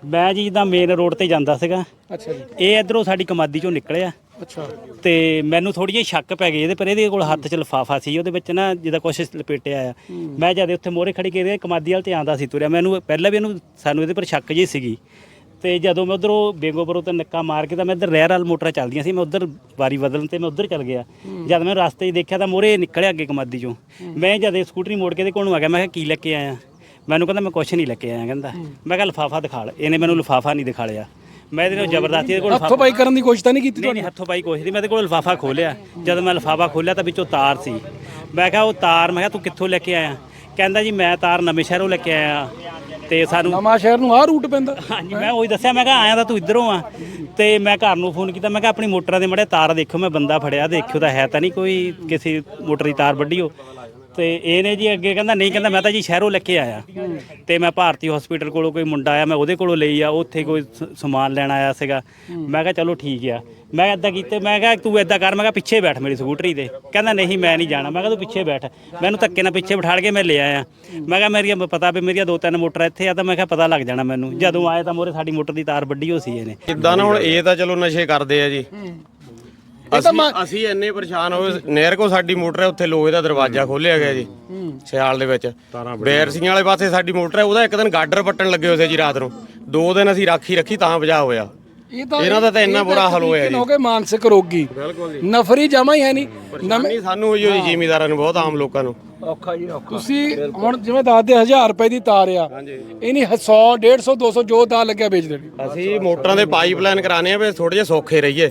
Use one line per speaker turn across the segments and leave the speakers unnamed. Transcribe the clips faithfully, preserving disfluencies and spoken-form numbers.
ਮੈਂ ਜੀ ਜਿੱਦਾਂ ਮੇਨ ਰੋਡ ਤੇ ਜਾਂਦਾ ਸੀਗਾ।
ਅੱਛਾ ਜੀ।
ਇਹ ਇਧਰੋਂ ਸਾਡੀ ਕਮਾਦੀ ਚੋਂ ਨਿਕਲਿਆ।
ਅੱਛਾ।
ਤੇ ਮੈਨੂੰ ਥੋੜੀ ਜਿਹੀ ਸ਼ੱਕ ਪੈ ਗਈ ਇਹਦੇ ਪਰ, ਇਹਦੇ ਕੋਲ ਹੱਥ 'ਚ ਲਿਫਾਫਾ ਸੀ, ਉਹਦੇ ਵਿੱਚ ਨਾ ਜਿੱਦਾਂ ਕੁਛ ਲਪੇਟਿਆ ਆ। ਮੈਂ ਜਦ ਉੱਥੇ ਮੋਹਰੇ ਖੜੀ ਕੇ ਕਮਾਦੀ ਵਾਲ ਤੇ ਆਉਂਦਾ ਸੀ ਤੁਰਿਆ, ਮੈਨੂੰ ਪਹਿਲਾਂ ਵੀ ਇਹਨੂੰ ਸਾਨੂੰ ਇਹਦੇ ਪਰ ਸ਼ੱਕ ਜਿਹੀ ਸੀਗੀ। ਤੇ ਜਦੋਂ ਮੈਂ ਉਧਰੋਂ ਬੇਗੋਪੁਰੋਂ ਤੇ ਨੱਕਾ ਮਾਰ ਕੇ ਤਾਂ ਮੈਂ ਇੱਧਰ ਰਹਿਰ ਵਾਲ ਮੋਟਰਾਂ ਚੱਲਦੀਆਂ ਸੀ, ਮੈਂ ਉੱਧਰ ਵਾਰੀ ਬਦਲਣ ਤੇ ਮੈਂ ਉੱਧਰ ਚੱਲ ਗਿਆ। ਜਦ ਮੈਂ ਰਸਤੇ 'ਚ ਦੇਖਿਆ ਤਾਂ ਮੋਹਰੇ ਨਿਕਲਿਆ ਅੱਗੇ ਕਮਾਦੀ ਚੋਂ। ਮੈਂ ਜਦ ਸਕੂਟਰੀ ਮੋੜ ਕੇ ਇਹਦੇ ਕੋਲ ਨੂੰ ਆ ਗਿਆ, ਮੈਂ ਕਿਹਾ ਕੀ ਲੈ ਕੇ ਆਇਆ? ਮੈਨੂੰ ਕਹਿੰਦਾ ਮੈਂ ਕੁਛ ਨਹੀਂ ਲੈ ਕੇ ਆਇਆ। ਕਹਿੰਦਾ ਮੈਂ ਕਿਹਾ ਲਿਫਾਫਾ ਦਿਖਾ ਲ। ਇਹਨੇ ਮੈਨੂੰ ਲਿਫਾਫਾ ਨਹੀਂ ਦਿਖਾ ਲਿਆ। ਮੈਂ ਇਹਦੇ ਨਾਲ ਜ਼ਬਰਦਸਤੀ ਇਹਦੇ ਕੋਲ
ਹੱਥੋਂ ਪਾਈ ਕਰਨ ਦੀ ਕੋਸ਼ਿਸ਼ ਤਾਂ ਨਹੀਂ ਕੀਤੀ?
ਨਹੀਂ ਨਹੀਂ ਹੱਥੋਂ ਪਾਈ ਕੋਸ਼ਿਸ਼ ਨਹੀਂ। ਮੈਂ ਇਹਦੇ ਕੋਲ ਲਿਫਾਫਾ ਖੋਲਿਆ। ਜਦੋਂ ਮੈਂ ਲਿਫਾਫਾ ਖੋਲਿਆ ਤਾਂ ਵਿੱਚੋਂ ਤਾਰ ਸੀ। ਮੈਂ ਕਿਹਾ ਉਹ ਤਾਰ, ਮੈਂ ਕਿਹਾ ਤੂੰ ਕਿੱਥੋਂ ਲੈ ਕੇ ਆਇਆ? ਕਹਿੰਦਾ ਜੀ ਮੈਂ ਤਾਰ ਨਵੇਂ ਸ਼ਹਿਰੋਂ ਲੈ ਕੇ ਆਇਆ। ਤੇ ਸਾਨੂੰ
ਨਵਾਂ ਸ਼ਹਿਰ ਨੂੰ ਆਹ ਰੂਟ ਪੈਂਦਾ?
ਹਾਂਜੀ। ਮੈਂ ਉਹੀ ਦੱਸਿਆ, ਮੈਂ ਕਿਹਾ ਆਇਆ ਤਾਂ ਤੂੰ ਇੱਧਰੋਂ ਆ। ਤੇ ਮੈਂ ਘਰ ਨੂੰ ਫੋਨ ਕੀਤਾ, ਮੈਂ ਕਿਹਾ ਆਪਣੀ ਮੋਟਰਾਂ ਦੇ ਮੜੇ ਤਾਰ ਦੇਖਿਓ, ਮੈਂ ਬੰਦਾ ਫੜਿਆ, ਦੇਖਿਓ ਤਾਂ ਹੈ ਤਾਂ ਨਹੀਂ ਕੋਈ ਕਿਸੇ ਮੋਟਰ ਦੀ ਤਾਰ ਵੱਢੀ ਹੋ। ਤੇ ਇਹਨੇ ਜੀ ਅੱਗੇ ਕਹਿੰਦਾ ਨਹੀਂ, ਕਹਿੰਦਾ ਮੈਂ ਤਾਂ ਜੀ ਸ਼ਹਿਰੋਂ ਲੈ ਕੇ ਆਇਆ। ਤੇ ਮੈਂ ਭਾਰਤੀ ਹਸਪੀਟਲ ਕੋਲੋਂ ਕੋਈ ਮੁੰਡਾ ਆਇਆ, ਮੈਂ ਉਹਦੇ ਕੋਲੋਂ ਲਈ ਆ, ਉੱਥੇ ਕੋਈ ਸਮਾਨ ਲੈਣ ਆਇਆ ਸੀਗਾ। ਮੈਂ ਕਿਹਾ ਚਲੋ ਠੀਕ ਆ। ਮੈਂ ਇੱਦਾਂ ਕੀਤੇ, ਮੈਂ ਕਿਹਾ ਤੂੰ ਇੱਦਾਂ ਕਰ, ਮੈਂ ਕਿਹਾ ਪਿੱਛੇ ਬੈਠ ਮੇਰੀ ਸਕੂਟਰੀ ਤੇ। ਕਹਿੰਦਾ ਨਹੀਂ ਮੈਂ ਨਹੀਂ ਜਾਣਾ। ਮੈਂ ਕਿਹਾ ਤੂੰ ਪਿੱਛੇ ਬੈਠ। ਮੈਨੂੰ ਧੱਕੇ ਨਾਲ ਪਿੱਛੇ ਬਿਠਾ ਕੇ ਮੈਂ ਲੈ ਆਇਆ। ਮੈਂ ਕਿਹਾ ਮੇਰੀਆਂ ਪਤਾ ਵੀ ਮੇਰੀਆਂ ਦੋ ਤਿੰਨ ਮੋਟਰਾਂ ਇੱਥੇ ਆ, ਤਾਂ ਮੈਂ ਕਿਹਾ ਪਤਾ ਲੱਗ ਜਾਣਾ ਮੈਨੂੰ। ਜਦੋਂ ਆਏ ਤਾਂ ਮੋਰੇ ਸਾਡੀ ਮੋਟਰ ਦੀ ਤਾਰ ਵੱਢੀ ਹੋ ਸੀ ਇਹਨੇ।
ਜਿੱਦਾਂ ਨਾ ਹੁਣ ਇਹ ਤਾਂ ਚਲੋ ਨਸ਼ੇ ਕਰਦੇ ਆ ਜੀ। ਅਸੀਂ ਅਸੀਂ ਇੰਨੇ ਪਰੇਸ਼ਾਨ ਹੋਏ। ਨਹਿਰ ਕੋ ਸਾਡੀ ਮੋਟਰ ਹੈ, ਉੱਥੇ ਲੋਹੇ ਦਾ ਦਰਵਾਜ਼ਾ ਖੋਲਿਆ ਗਿਆ ਜੀ ਸਿਆਲ ਦੇ ਵਿੱਚ। ਬੈਰਸੀਆਂ ਵਾਲੇ ਪਾਸੇ ਸਾਡੀ ਮੋਟਰ ਹੈ, ਉਹਦਾ ਇੱਕ ਦਿਨ ਗਾਡਰ ਪੱਟਣ ਲੱਗੇ ਹੋਏ ਸੀ ਜੀ ਰਾਤ ਨੂੰ। ਦੋ ਦਿਨ ਅਸੀਂ ਰਾਖੀ ਰੱਖੀ ਤਾਂ ਬਚਾ ਹੋਇਆ। ਇਹਨਾਂ ਦਾ ਤਾਂ ਇੰਨਾ ਬੁਰਾ ਹਾਲ ਹੋਇਆ ਜੀ।
ਹੋ ਗਏ ਮਾਨਸਿਕ ਰੋਗੀ, ਨਫਰੀ ਜਮਾ ਹੀ ਹੈ ਨਹੀਂ।
ਨਵੀਂ ਸਾਨੂੰ ਹੋਈ ਹੋਈ ਜ਼ਿਮੀਦਾਰਾਂ ਨੂੰ, ਬਹੁਤ ਆਮ ਲੋਕਾਂ ਨੂੰ
ਔਖਾ ਜੀ ਔਖਾ। ਤੁਸੀਂ ਹੁਣ ਜਿਵੇਂ ਦੱਸਦੇ ਹਜ਼ਾਰ ਰੁਪਏ ਦੀ ਤਾਰ ਆ, ਇਹਨੀ ਸੌ ਡੇਢ ਸੌ ਦੋ ਸੌ ਜੋ ਤਾਰ ਲੱਗਿਆ ਵੇਚ ਦੇਣੀ।
ਅਸੀਂ ਮੋਟਰਾਂ ਦੇ ਪਾਈਪਲਾਈਨ ਕਰਾਣੇ ਆ ਵੀ ਥੋੜੇ ਜਿਹੇ ਸੌਖੇ ਰਹੀਏ।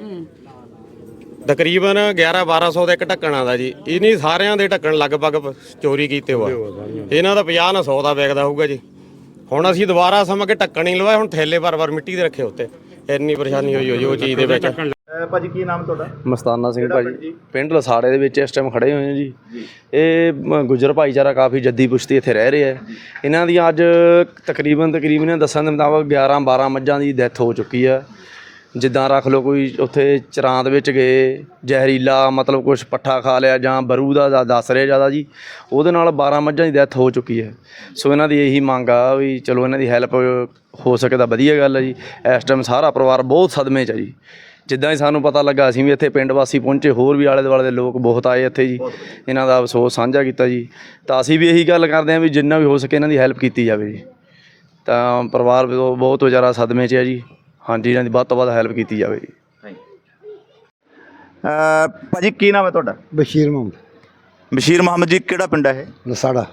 ਤਕਰੀਬਨ ਗਿਆਰਾਂ ਬਾਰਾਂ ਸੌ ਦਾ ਇੱਕ ਢੱਕਣ ਆਉਂਦਾ ਜੀ। ਇਹਨੀ ਸਾਰਿਆਂ ਦੇ ਢੱਕਣ ਲਗਭਗ ਚੋਰੀ ਕੀਤੇ ਹੋਆ। ਇਹਨਾਂ ਦਾ ਪੰਜਾਹ ਨਾ ਸੌ ਦਾ ਵਿਕਦਾ ਹੋਊਗਾ ਜੀ। ਹੁਣ ਅਸੀਂ ਦੁਬਾਰਾ ਸਮਝ ਕੇ ਢੱਕਣ ਨਹੀਂ ਲਵਾਏ, ਹੁਣ ਥੈਲੇ ਭਰ ਭਰ ਮਿੱਟੀ ਦੇ ਰੱਖੇ ਉੱਤੇ। ਇੰਨੀ ਪਰੇਸ਼ਾਨੀ ਹੋਈ ਹੋਈ ਉਹ ਚੀਜ਼ ਦੇ ਵਿੱਚ।
ਭਾਜੀ ਕੀ ਨਾਮ ਤੁਹਾਡਾ?
ਮਸਤਾਨਾ ਸਿੰਘ ਭਾਜੀ, ਪਿੰਡ ਲਸਾੜੇ ਦੇ ਵਿੱਚ ਇਸ ਟਾਈਮ ਖੜੇ ਹੋਏ ਹਾਂ ਜੀ। ਇਹ ਗੁੱਜਰ ਭਾਈਚਾਰਾ ਕਾਫੀ ਜੱਦੀ ਪੁਸ਼ਤੀ ਇੱਥੇ ਰਹਿ ਰਿਹਾ। ਇਹਨਾਂ ਦੀਆਂ ਅੱਜ ਤਕਰੀਬਨ ਤਕਰੀਬਨ ਦੱਸਣ ਦੇ ਮੁਤਾਬਕ ਗਿਆਰਾਂ ਬਾਰਾਂ ਮੱਝਾਂ ਦੀ ਡੈਥ ਹੋ ਚੁੱਕੀ ਆ। ਜਿੱਦਾਂ ਰੱਖ ਲਓ ਕੋਈ ਉੱਥੇ ਚਰਾਂ ਦੇ ਵਿੱਚ ਗਏ, ਜ਼ਹਿਰੀਲਾ ਮਤਲਬ ਕੁਛ ਪੱਠਾ ਖਾ ਲਿਆ ਜਾਂ ਬਰੂ ਦਾ ਦੱਸ ਰਿਹਾ ਜ਼ਿਆਦਾ ਜੀ, ਉਹਦੇ ਨਾਲ ਬਾਰਾਂ ਮੱਝਾਂ ਦੀ ਡੈਥ ਹੋ ਚੁੱਕੀ ਹੈ। ਸੋ ਇਹਨਾਂ ਦੀ ਇਹੀ ਮੰਗ ਆ ਵੀ ਚਲੋ ਇਹਨਾਂ ਦੀ ਹੈਲਪ ਹੋ ਸਕੇ ਤਾਂ ਵਧੀਆ ਗੱਲ ਹੈ ਜੀ। ਇਸ ਟਾਈਮ ਸਾਰਾ ਪਰਿਵਾਰ ਬਹੁਤ ਸਦਮੇ 'ਚ ਹੈ ਜੀ। ਜਿੱਦਾਂ ਹੀ ਸਾਨੂੰ ਪਤਾ ਲੱਗਾ ਅਸੀਂ ਵੀ ਇੱਥੇ ਪਿੰਡ ਵਾਸੀ ਪਹੁੰਚੇ, ਹੋਰ ਵੀ ਆਲੇ ਦੁਆਲੇ ਦੇ ਲੋਕ ਬਹੁਤ ਆਏ ਇੱਥੇ ਜੀ, ਇਹਨਾਂ ਦਾ ਅਫਸੋਸ ਸਾਂਝਾ ਕੀਤਾ ਜੀ। ਤਾਂ ਅਸੀਂ ਵੀ ਇਹੀ ਗੱਲ ਕਰਦੇ ਹਾਂ ਵੀ ਜਿੰਨਾ ਵੀ ਹੋ ਸਕੇ ਇਹਨਾਂ ਦੀ ਹੈਲਪ ਕੀਤੀ ਜਾਵੇ ਜੀ। ਤਾਂ ਪਰਿਵਾਰ ਬਹੁਤ ਵਿਚਾਰਾ ਸਦਮੇ 'ਚ ਹੈ ਜੀ। ਹਾਂਜੀ, ਇਹਨਾਂ ਦੀ ਵੱਧ ਤੋਂ ਵੱਧ ਹੈਲਪ ਕੀਤੀ ਜਾਵੇ ਜੀ।
ਭਾਜੀ ਕੀ ਨਾਮ ਹੈ ਤੁਹਾਡਾ?
ਬਸ਼ੀਰ ਮੁਹੰਮਦ।
ਬਸ਼ੀਰ ਮੁਹੰਮਦ ਜੀ, ਕਿਹੜਾ ਪਿੰਡ ਹੈ ਇਹ?
ਲਸਾੜਾ।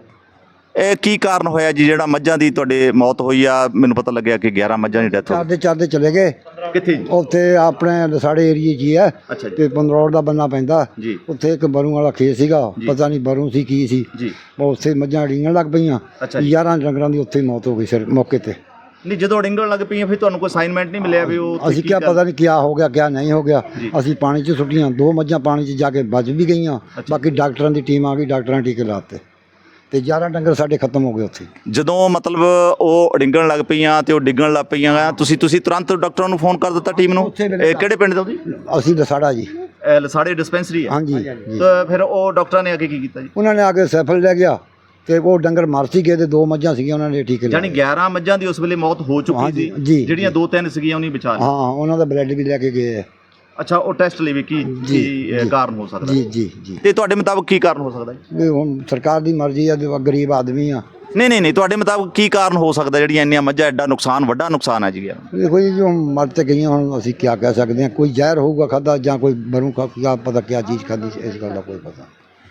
ਇਹ ਕੀ ਕਾਰਨ ਹੋਇਆ ਜੀ ਜਿਹੜਾ ਮੱਝਾਂ ਦੀ ਤੁਹਾਡੇ ਮੌਤ ਹੋਈ ਆ? ਮੈਨੂੰ ਪਤਾ ਲੱਗਿਆ ਕਿ ਗਿਆਰਾਂ ਮੱਝਾਂ ਦੀ ਡੈਥ ਹੋ
ਚਾਰਦੇ ਚਾਰਦੇ ਚਲੇ ਗਏ।
ਕਿੱਥੇ ਜੀ?
ਉੱਥੇ ਆਪਣੇ ਲਸਾੜੇ ਏਰੀਏ 'ਚ ਹੀ ਹੈ।
ਅੱਛਾ ਜੀ।
ਤੇ ਪੰਦਰੌੜ ਦਾ ਬੰਨਾ ਪੈਂਦਾ
ਜੀ।
ਉੱਥੇ ਇੱਕ ਬਰੂ ਵਾਲਾ ਖੇਤ ਸੀਗਾ, ਪਤਾ ਨਹੀਂ ਬਰੂ ਸੀ ਕੀ ਸੀ
ਜੀ।
ਉਹ ਉੱਥੇ ਮੱਝਾਂ ਡੀਂਗਣ ਲੱਗ ਪਈਆਂ। ਯਾਰਾਂ ਡੰਗਰਾਂ ਦੀ ਉੱਥੇ ਮੌਤ ਹੋ ਗਈ ਸਿਰ ਮੌਕੇ ਤੇ।
ਨਹੀਂ, ਜਦੋਂ ਡਿੰਗਣ ਲੱਗ ਪਈਆਂ ਫਿਰ ਤੁਹਾਨੂੰ ਕੋਈ ਅਸਾਈਨਮੈਂਟ ਨਹੀਂ ਮਿਲਿਆ ਵੀ ਉਹ?
ਅਸੀਂ ਕਿਹਾ ਪਤਾ ਨਹੀਂ ਕਿਆ ਹੋ ਗਿਆ ਕਿਆ ਨਹੀਂ ਹੋ ਗਿਆ। ਅਸੀਂ ਪਾਣੀ 'ਚ ਸੁੱਟੀਆਂ, ਦੋ ਮੱਝਾਂ ਪਾਣੀ 'ਚ ਜਾ ਕੇ ਬਚ ਵੀ ਗਈਆਂ। ਬਾਕੀ ਡਾਕਟਰਾਂ ਦੀ ਟੀਮ ਆ ਗਈ, ਡਾਕਟਰਾਂ ਨੇ ਟੀਕੇ ਲਾਤੇ ਤੇ ਯਾਰਾਂ ਡੰਗਰ ਸਾਡੇ ਖਤਮ ਹੋ ਗਏ ਉੱਥੇ।
ਜਦੋਂ ਮਤਲਬ ਉਹ ਡਿੰਗਣ ਲੱਗ ਪਈਆਂ ਤੇ ਉਹ ਡਿੱਗਣ ਲੱਗ ਪਈਆਂ, ਤੁਸੀਂ ਤੁਸੀਂ ਤੁਰੰਤ ਡਾਕਟਰਾਂ ਨੂੰ ਫੋਨ ਕਰ ਦਿੱਤਾ ਟੀਮ ਨੂੰ? ਇਹ ਕਿਹੜੇ ਪਿੰਡ ਦਾ ਜੀ?
ਅਸੀਂ ਲਸਾੜਾ ਜੀ।
ਲਸਾੜੇ ਡਿਸਪੈਂਸਰੀ ਹੈ?
ਹਾਂਜੀ।
ਤਾਂ ਫਿਰ ਉਹ ਡਾਕਟਰਾਂ ਨੇ ਅੱਗੇ ਕੀ ਕੀਤਾ ਜੀ?
ਉਹਨਾਂ ਨੇ ਆ ਕੇ ਸੈਫਲ ਲੈ ਗਿਆ ਤੇ ਉਹ ਡੰਗਰ ਮਰ ਸੀ ਗਏ ਤੇ ਦੋ ਮੱਝਾਂ ਸੀਗੀਆਂ, ਉਹਨਾਂ ਨੇ ਟੀਕੇ
ਯਾਨੀ ਗਿਆਰਾਂ ਮੱਝਾਂ ਦੀ ਉਸ ਵੇਲੇ ਮੌਤ ਹੋ ਚੁੱਕੀ ਸੀ, ਜਿਹੜੀਆਂ ਦੋ ਤਿੰਨ ਸੀਗੀਆਂ ਉਹਨੇ ਬਚਾ ਲਿਆ।
ਹਾਂ, ਉਹਨਾਂ ਦਾ ਬਲੱਡ ਵੀ ਲੈ ਕੇ ਗਏ ਆ।
ਅੱਛਾ, ਉਹ ਟੈਸਟ ਲਈ ਵੀ ਕੀ ਕੀ ਕਾਰਨ ਹੋ ਸਕਦਾ?
ਜੀ ਜੀ ਜੀ।
ਤੇ ਤੁਹਾਡੇ ਮੁਤਾਬਕ ਕੀ ਕਾਰਨ ਹੋ ਸਕਦਾ ਜੀ?
ਹੁਣ ਸਰਕਾਰ ਦੀ ਮਰਜ਼ੀ ਆ, ਗਰੀਬ ਆਦਮੀ ਆ।
ਨਹੀਂ ਨਹੀਂ ਨਹੀਂ, ਤੁਹਾਡੇ ਮੁਤਾਬਕ ਕੀ ਕਾਰਨ ਹੋ ਸਕਦਾ ਜਿਹੜੀਆਂ ਇੰਨੀਆਂ ਮੱਝਾਂ ਐਡਾ ਨੁਕਸਾਨ, ਵੱਡਾ ਨੁਕਸਾਨ ਹੈ ਜੀ?
ਦੇਖੋ ਜੀ, ਜੋ ਮਰ ਤੇ ਗਈਆਂ, ਹੁਣ ਅਸੀਂ ਕੀ ਕਹਿ ਸਕਦੇ ਹਾਂ। ਕੋਈ ਜ਼ਹਿਰ ਹੋਊਗਾ ਖਾਧਾ ਜਾਂ ਕੋਈ ਬਰੂ ਕਿਆ ਪਤਾ ਕਿਆ ਚੀਜ਼ ਖਾਧੀ, ਇਸ ਗੱਲ ਦਾ ਕੋਈ ਪਤਾ।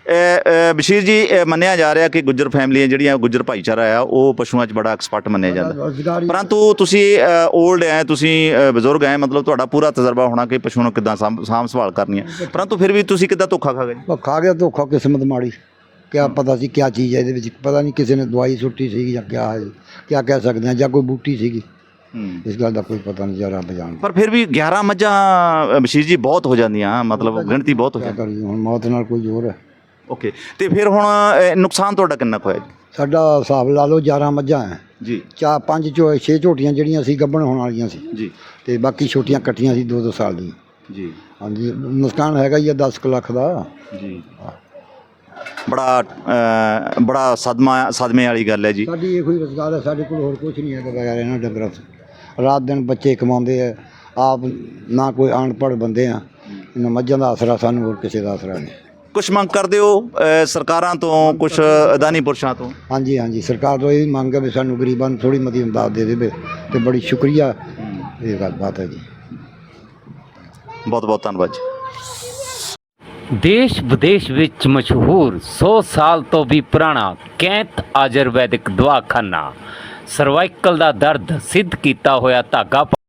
ਬਸ਼ੀਰ ਜੀ, ਮੰਨਿਆ ਜਾ ਰਿਹਾ ਕਿ ਗੁੱਜਰ ਫੈਮਲੀਆਂ ਜਿਹੜੀਆਂ, ਗੁੱਜਰ ਭਾਈਚਾਰਾ ਆ, ਉਹ ਪਸ਼ੂਆਂ 'ਚ ਬੜਾ ਐਕਸਪਰਟ ਮੰਨਿਆ ਜਾਂਦਾ। ਪਰੰਤੂ ਤੁਸੀਂ ਓਲਡ ਹੈ, ਤੁਸੀਂ ਬਜ਼ੁਰਗ ਹੈ, ਮਤਲਬ ਤੁਹਾਡਾ ਪੂਰਾ ਤਜਰਬਾ ਹੋਣਾ ਕਿ ਪਸ਼ੂ ਨੂੰ ਕਿੱਦਾਂ ਸਾਂਭ ਸਾਂਭ ਸੰਭਾਲ ਕਰਨੀ ਹੈ। ਪਰੰਤੂ ਫਿਰ ਵੀ ਤੁਸੀਂ ਕਿੱਦਾਂ ਧੋਖਾ ਖਾ ਗਏ?
ਖਾ ਗਿਆ ਧੋਖਾ, ਕਿਸਮਤ ਮਾੜੀ। ਕਿਆ ਪਤਾ ਸੀ ਕਿਆ ਚੀਜ਼ ਹੈ ਇਹਦੇ ਵਿੱਚ, ਪਤਾ ਨਹੀਂ ਕਿਸੇ ਨੇ ਦਵਾਈ ਸੁੱਟੀ ਸੀਗੀ ਜਾਂ ਕਿਆ ਹੈ, ਕਿਆ ਕਹਿ ਸਕਦੇ ਹਾਂ, ਜਾਂ ਕੋਈ ਬੂਟੀ ਸੀਗੀ। ਇਸ ਗੱਲ ਦਾ ਕੋਈ ਪਤਾ ਨਹੀਂ, ਜਰਾ ਬਜਾਨ।
ਪਰ ਫਿਰ ਵੀ ਗਿਆਰਾਂ ਮੱਝਾਂ ਬਸ਼ੀਰ ਜੀ ਬਹੁਤ ਹੋ ਜਾਂਦੀਆਂ, ਮਤਲਬ ਗਿਣਤੀ ਬਹੁਤ ਹੋ ਜਾਂਦੀ।
ਹੁਣ ਮੌਤ ਨਾਲ ਕੋਈ ਜ਼ੋਰ ਹੈ।
ਓਕੇ, ਤੇ ਫਿਰ ਹੁਣ ਨੁਕਸਾਨ ਤੁਹਾਡਾ ਕਿੰਨਾ ਕੁ ਹੋਇਆ ਜੀ?
ਸਾਡਾ ਹਿਸਾਬ ਲਾ ਲਓ ਗਿਆਰਾਂ ਮੱਝਾਂ ਹੈ
ਜੀ।
ਚਾਰ ਪੰਜ ਚੋ ਛੇ ਝੋਟੀਆਂ ਜਿਹੜੀਆਂ ਸੀ ਗੱਭਣ ਹੋਣ ਵਾਲੀਆਂ ਸੀ
ਜੀ,
ਤੇ ਬਾਕੀ ਛੋਟੀਆਂ ਕੱਟੀਆਂ ਸੀ ਦੋ ਦੋ ਸਾਲ ਦੀਆਂ ਜੀ। ਹਾਂਜੀ, ਨੁਕਸਾਨ ਹੈਗਾ ਹੀ ਆ ਦਸ ਕੁ ਲੱਖ ਦਾ ਜੀ।
ਬੜਾ ਅ, ਬੜਾ ਸਦਮਾ ਸਦਮੇ ਵਾਲੀ ਗੱਲ ਹੈ ਜੀ।
ਸਾਡੀ ਇਹੋ ਹੀ ਰੁਜ਼ਗਾਰ ਹੈ, ਸਾਡੇ ਕੋਲ ਹੋਰ ਕੁਝ ਨਹੀਂ ਹੈਗਾ ਬਗੈਰ ਇਹਨਾਂ ਡੰਗਰਾਂ ਤੋਂ। ਰਾਤ ਦਿਨ ਬੱਚੇ ਕਮਾਉਂਦੇ ਆ, ਆਪ ਨਾ ਕੋਈ ਅਨਪੜ੍ਹ ਬੰਦੇ ਆ, ਇਹਨਾਂ ਮੱਝਾਂ ਦਾ ਆਸਰਾ ਸਾਨੂੰ, ਹੋਰ ਕਿਸੇ ਦਾ ਆਸਰਾ ਨਹੀਂ।
ਕੁਛ ਮੰਗ ਕਰਦੇ ਹੋ ਅ, ਸਰਕਾਰਾਂ ਤੋਂ, ਕੁਛ ਅਦਾਨੀ ਪੁਰਸ਼ਾਂ ਤੋਂ?
ਹਾਂਜੀ ਹਾਂਜੀ, ਸਰਕਾਰ ਤੋਂ ਇਹ ਮੰਗ ਹੈ ਵੀ ਸਾਨੂੰ ਗਰੀਬਾਂ ਨੂੰ ਥੋੜੀ ਮਤੀ ਇਮਦਾਦ ਦੇ ਦੇਵੇ, ਤੇ ਬੜੀ ਸ਼ੁਕਰੀਆ, ਇਹ ਗੱਲ ਬਾਤ ਹੈ ਜੀ।
ਬਹੁਤ ਬਹੁਤ ਧੰਨਵਾਦ ਜੀ।
ਦੇਸ਼ ਵਿਦੇਸ਼ ਵਿੱਚ ਮਸ਼ਹੂਰ ਸੌ ਸਾਲ ਤੋਂ ਵੀ ਪੁਰਾਣਾ ਕੈਂਤ ਆਯੁਰਵੈਦਿਕ ਦਵਾਖਾਨਾ, ਸਰਵਾਈਕਲ ਦਾ ਦਰਦ ਸਿੱਧ ਕੀਤਾ ਹੋਇਆ ਧਾਗਾ